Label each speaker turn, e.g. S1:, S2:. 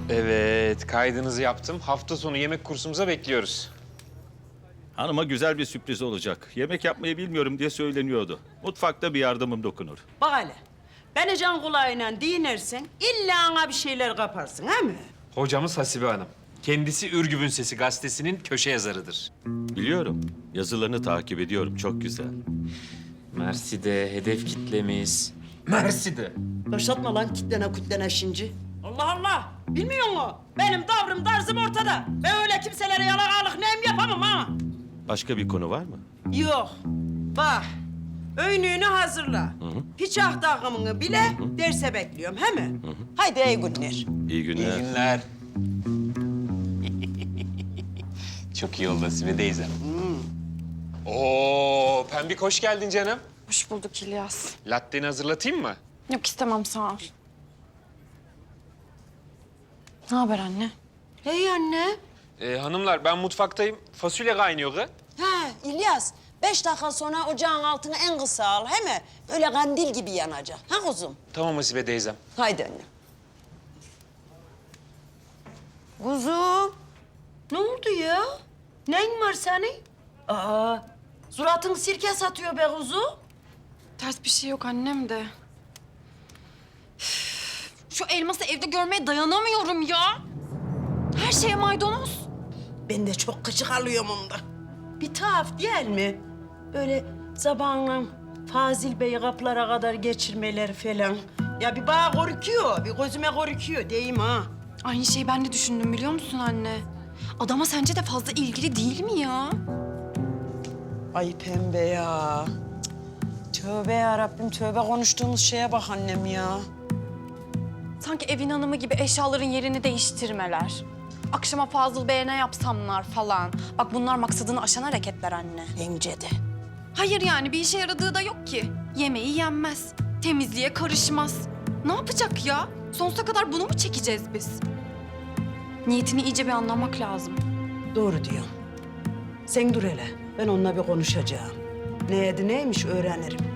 S1: Evet, kaydınızı yaptım. Hafta sonu yemek kursumuza bekliyoruz.
S2: Hanıma güzel bir sürpriz olacak. Yemek yapmayı bilmiyorum diye söyleniyordu. Mutfakta bir yardımım dokunur.
S3: Bak hele, beni can kulağıyla dinlersen illa ana bir şeyler kaparsın, he mi?
S1: Hocamız Hasibe Hanım. Kendisi Ürgüp'ün Sesi gazetesinin köşe yazarıdır.
S2: Biliyorum. Yazılarını takip ediyorum. Çok güzel.
S1: Mersi'de hedef kitlemiz. Mersi'de.
S3: Başlatma lan kitlene şimdi. Allah Allah, bilmiyor musun? Benim tavrım, tarzım ortada. Ben öyle kimselere yalakalık neyim yapamam ha.
S2: Başka bir konu var mı?
S3: Yok, bak. Öynüğünü hazırla. Piçah takımını bile derse bekliyorum, he mi? Haydi iyi günler.
S2: İyi günler.
S1: İyi günler. Çok iyi oldu Hasibe teyze. Oo, Pembik hoş geldin canım.
S4: Hoş bulduk İlyas.
S1: Latte'ni hazırlatayım mı?
S4: Yok istemem sağ ol. Ne haber anne?
S3: Hey anne.
S1: Hanımlar ben mutfaktayım. Fasulye kaynıyor kız.
S3: Ha İlyas, 5 dakika sonra ocağın altını en kısa al, he mi? Böyle kandil gibi yanacak. Ha kuzum?
S1: Tamam Hasibe teyzem.
S3: Haydi anne. Kuzum, ne oldu ya? Neyin var senin? Aa, suratın sirke satıyor be kuzu.
S4: Ters bir şey yok annem de. Üf, şu elması evde görmeye dayanamıyorum ya. Her şeye maydanoz.
S3: Ben de çok gıcık alıyorum onda. Bir tuhaf değil mi? Böyle zamanla Fazil Bey'i kapılara kadar geçirmeler falan. Ya bir bana korkuyor, bir gözüme korkuyor diyeyim ha.
S4: Aynı şeyi ben de düşündüm biliyor musun anne? Adama sence de fazla ilgili değil mi ya?
S3: Ay pembe ya. Cık. Tövbe ya Rabbim, tövbe konuştuğumuz şeye bak annem ya.
S4: Sanki evin hanımı gibi eşyaların yerini değiştirmeler. Akşama Fazıl Bey'e ne yapsamlar falan. Bak bunlar maksadını aşan hareketler anne.
S3: Bence de.
S4: Hayır yani bir işe yaradığı da yok ki. Yemeği yenmez, temizliğe karışmaz. Ne yapacak ya? Sonsuza kadar bunu mu çekeceğiz biz? Niyetini iyice bir anlamak lazım.
S3: Doğru diyorsun. Sen dur hele. Ben onunla bir konuşacağım. Neydi neymiş öğrenirim.